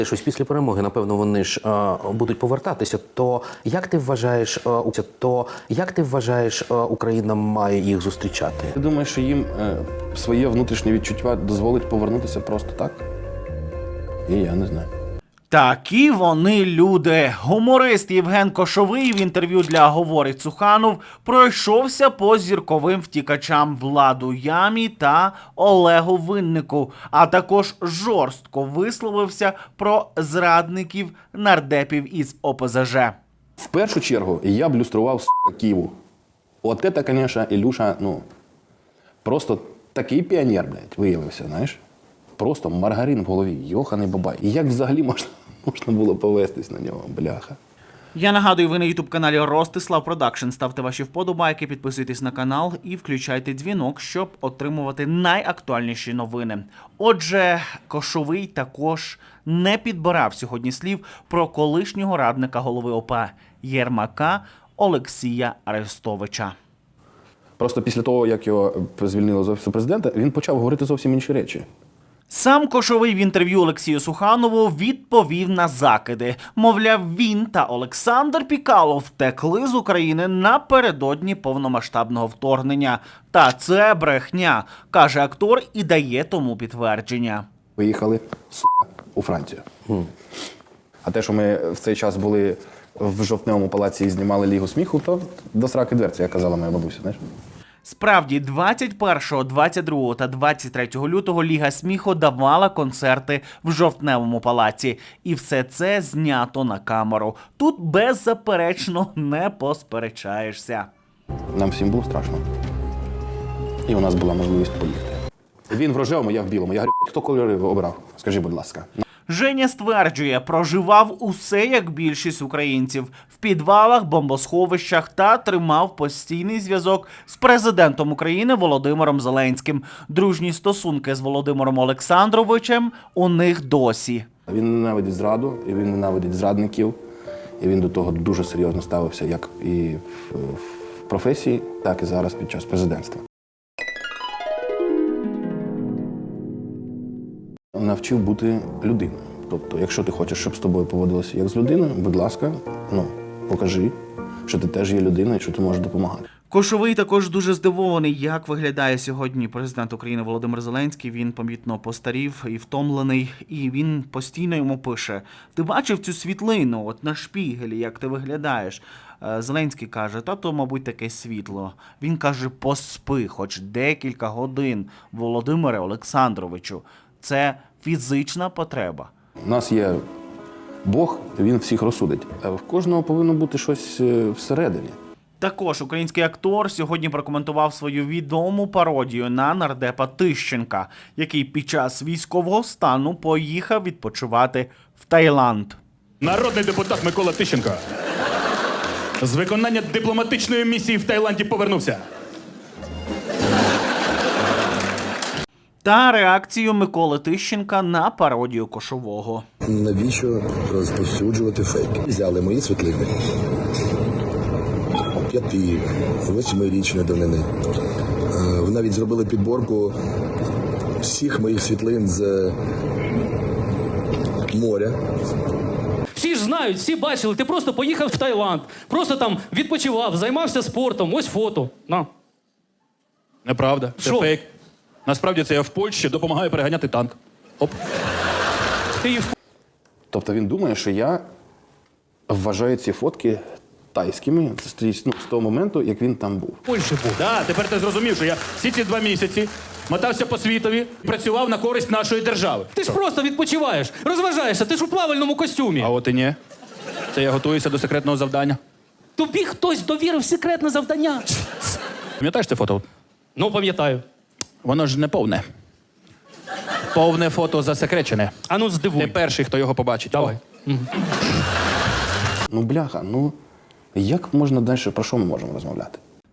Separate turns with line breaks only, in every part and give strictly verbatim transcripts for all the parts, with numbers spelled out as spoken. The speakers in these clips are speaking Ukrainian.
Щось після перемоги, напевно, вони ж е, будуть повертатися. То як ти вважаєш, е, то як ти вважаєш, е, Україна має їх зустрічати?
Ти думаєш, що їм е, своє внутрішнє відчуття дозволить повернутися просто так? І я не знаю.
Такі вони люди. Гуморист Євген Кошовий в інтерв'ю для «Говорить Цуханов» пройшовся по зірковим втікачам Владу Ямі та Олегу Виннику, а також жорстко висловився про зрадників нардепів із О Пе Зе Же.
В першу чергу я б люстрував с***, Києву. От це, звісно, Ілюша, ну, просто такий піонер, блядь, виявився, знаєш. Просто маргарин в голові, йоханий бабай. І як взагалі можна, можна було повестись на нього, бляха.
Я нагадую, ви на ютуб-каналі Ростислав Продакшн. Ставте ваші вподобайки, підписуйтесь на канал і включайте дзвінок, щоб отримувати найактуальніші новини. Отже, Кошовий також не підбирав сьогодні слів про колишнього радника голови О Пе Єрмака Олексія Арестовича.
Просто після того, як його звільнили з Офісу Президента, він почав говорити зовсім інші речі.
Сам Кошовий в інтерв'ю Олексію Суханову відповів на закиди. Мовляв, він та Олександр Пікало втекли з України напередодні повномасштабного вторгнення. Та це брехня, каже актор і дає тому підтвердження.
Виїхали, сука, у Францію. Mm. А те, що ми в цей час були в Жовтневому палаці і знімали Лігу сміху, то до сраки дверці, як казала моя бабуся, знаєш.
Справді, двадцять першого, двадцять другого та двадцять третього лютого Ліга сміху давала концерти в Жовтневому палаці. І все це знято на камеру. Тут беззаперечно не посперечаєшся.
Нам всім було страшно. І у нас була можливість поїхати. Він в рожевому, я в білому. Я говорю, хто кольори обрав? Скажи, будь ласка.
Женя стверджує, проживав усе, як більшість українців, в підвалах, бомбосховищах та тримав постійний зв'язок з президентом України Володимиром Зеленським. Дружні стосунки з Володимиром Олександровичем у них досі.
Він ненавидить зраду, і він ненавидить зрадників, і він до того дуже серйозно ставився, як і в, в професії, так і зараз під час президентства. Навчив бути людиною. Тобто, якщо ти хочеш, щоб з тобою поводилося як з людиною, будь ласка, ну, покажи, що ти теж є людиною, що ти можеш допомагати.
Кошовий також дуже здивований, як виглядає сьогодні президент України Володимир Зеленський. Він помітно постарів і втомлений, і він постійно йому пише: ти бачив цю світлину от на шпігелі, як ти виглядаєш? Зеленський каже: та то, мабуть, таке світло. Він каже: поспи хоч декілька годин, Володимире Олександровичу. Це фізична потреба.
У нас є Бог, він всіх розсудить. А в кожного повинно бути щось всередині.
Також український актор сьогодні прокоментував свою відому пародію на нардепа Тищенка, який під час військового стану поїхав відпочивати в Таїланд.
Народний депутат Микола Тищенко з виконання дипломатичної місії в Таїланді повернувся.
Та реакцію Миколи Тищенка на пародію Кошового.
Навіщо розповсюджувати фейки? Взяли мої світлини п'яти, восьмирічної давнини. Ви навіть зробили підборку всіх моїх світлин з моря.
Всі ж знають, всі бачили, ти просто поїхав в Таїланд, просто там відпочивав, займався спортом, ось фото. На.
Неправда, це
Шо?
фейк. Насправді це я в Польщі допомагаю переганяти танк. Оп.
Ти її в
Тобто він думає, що я вважаю ці фотки тайськими з, ну, з того моменту, як він там був.
Польщі був.
Да, тепер ти зрозумів, що я всі ці два місяці мотався по світові, працював на користь нашої держави.
Ти ж просто відпочиваєш, розважаєшся, ти ж у плавальному костюмі.
А от і ні. Це я готуюся до секретного завдання.
Тобі хтось довірив секретне завдання.
Пам'ятаєш це фото?
Ну, пам'ятаю.
Воно ж не повне. Повне фото засекречене.
А ну, здивуй.
Ти перший, хто його побачить.
Давай.
Ну, бляха, ну, як можна далі, про що ми можемо розмовляти?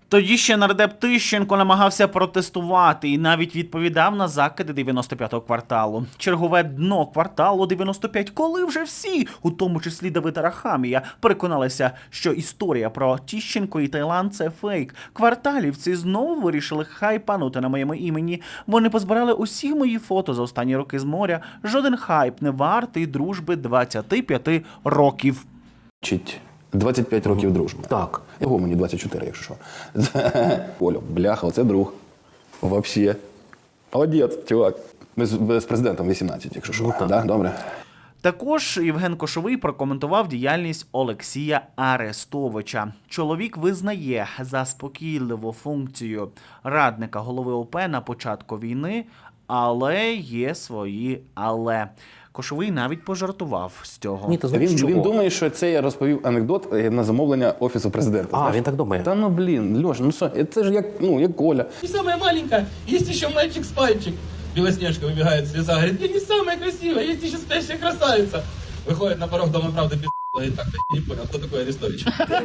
Тоді ще нардеп Тищенко намагався протестувати і навіть відповідав на закиди дев'яносто п'ятого кварталу. Чергове дно кварталу дев'яносто п'ять, коли вже всі, у тому числі Давид Арахамія, переконалися, що історія про Тищенко і Таїланд – це фейк. Кварталівці знову вирішили хайпанути на моєму імені. Вони позбирали усі мої фото за останні роки з моря. Жоден хайп не вартий дружби двадцяти п'яти років.
Чить двадцять п'ять років дружби.
Так.
Його мені двадцять чотири, якщо що. Олю, бляха, оце друг. Вообще. Молодець, чувак. Ми з, з президентом вісімнадцять, якщо що.
Ну, так.
Да? Добре.
Також Євген Кошовий прокоментував діяльність Олексія Арестовича. Чоловік визнає заспокійливу функцію радника голови ОП на початку війни, але є свої «але». Кошовий навіть пожартував з цього.
Ні, ти знаєш,
Він,
чого?
він думає, що це я розповів анекдот е, на замовлення Офісу президента.
А,
знаєш?
він так думає.
Та ну блін, Льош, ну що, це ж як, ну, як Коля.
Не самая маленькая, есть еще мальчик с пальчик. Белоснежка выбегает с леса, говорит, я не самая красивая, есть еще спящая красавица. Выходит на порог дома правды, пи***, говорит, так, я не понял, кто такой Арестович?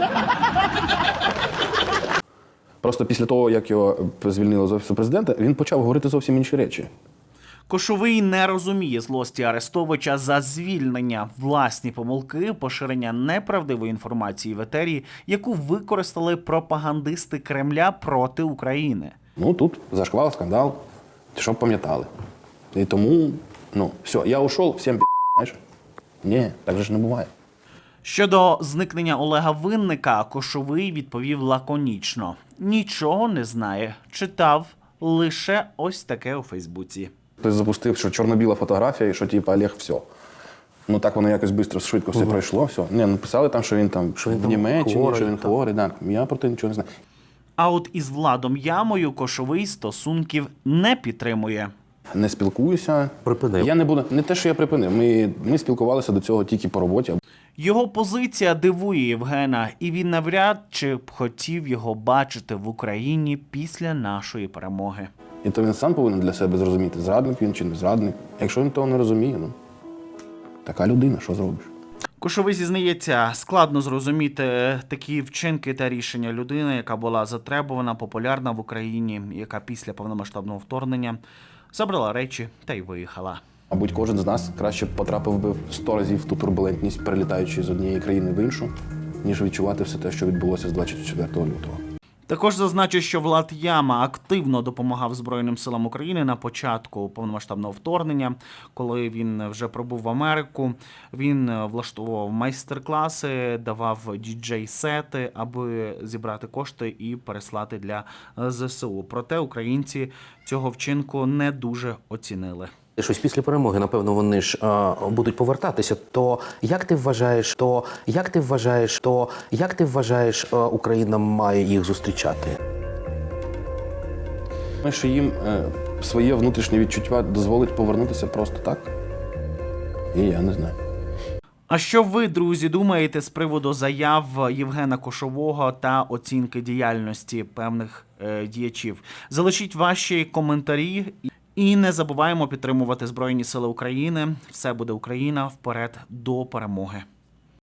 Просто після того, як його звільнили з Офісу президента, він почав говорити зовсім інші речі.
Кошовий не розуміє злості Арестовича за звільнення, власні помилки, поширення неправдивої інформації в етері, яку використали пропагандисти Кремля проти України.
Ну, тут зашквал, скандал, щоб пам'ятали. І тому, ну, все, я ушов, всім пі***, знаєш? Ні, так же ж не буває.
Щодо зникнення Олега Винника, Кошовий відповів лаконічно. Нічого не знає, читав лише ось таке у Фейсбуці.
Хтось запустив, що чорно-біла фотографія, і що типу Олег все. Ну так воно якось швидко, швидко все пройшло, все. Не, написали там, що він там
Що він
в
там
Німеччині,
хворий,
що він
так.
хворий. Да. Я про те нічого не знаю.
А от із Владом Ямою Кошовий стосунків не підтримує.
Не спілкуюся.
Припинив.
Я не буду, не те, що я припинив. Ми, ми спілкувалися до цього тільки по роботі.
Його позиція дивує Євгена, і він навряд чи б хотів його бачити в Україні після нашої перемоги.
І то він сам повинен для себе зрозуміти, зрадник він чи не зрадник. Якщо він того не розуміє, ну, така людина, що зробиш?
Кошовий зізнається, складно зрозуміти такі вчинки та рішення людини, яка була затребувана, популярна в Україні, яка після повномасштабного вторгнення забрала речі та й виїхала.
Мабуть, кожен з нас краще потрапив би сто разів в ту турбулентність, перелітаючи з однієї країни в іншу, ніж відчувати все те, що відбулося з двадцять четвертого лютого.
Також зазначу, що Влад Яма активно допомагав Збройним силам України на початку повномасштабного вторгнення, коли він вже пробув в Америку. Він влаштовував майстер-класи, давав діджей-сети, аби зібрати кошти і переслати для ЗСУ. Проте українці цього вчинку не дуже оцінили.
Щось після перемоги, напевно, вони ж а, будуть повертатися. То як ти вважаєш, то як ти вважаєш, то як ти вважаєш, а, Україна має їх зустрічати?
Ми що їм е, своє внутрішнє відчуття дозволить повернутися просто так? І я не знаю.
А що ви, друзі, думаєте з приводу заяв Євгена Кошового та оцінки діяльності певних е, діячів? Залишіть ваші коментарі. І не забуваємо підтримувати Збройні Сили України. Все буде Україна. Вперед до перемоги.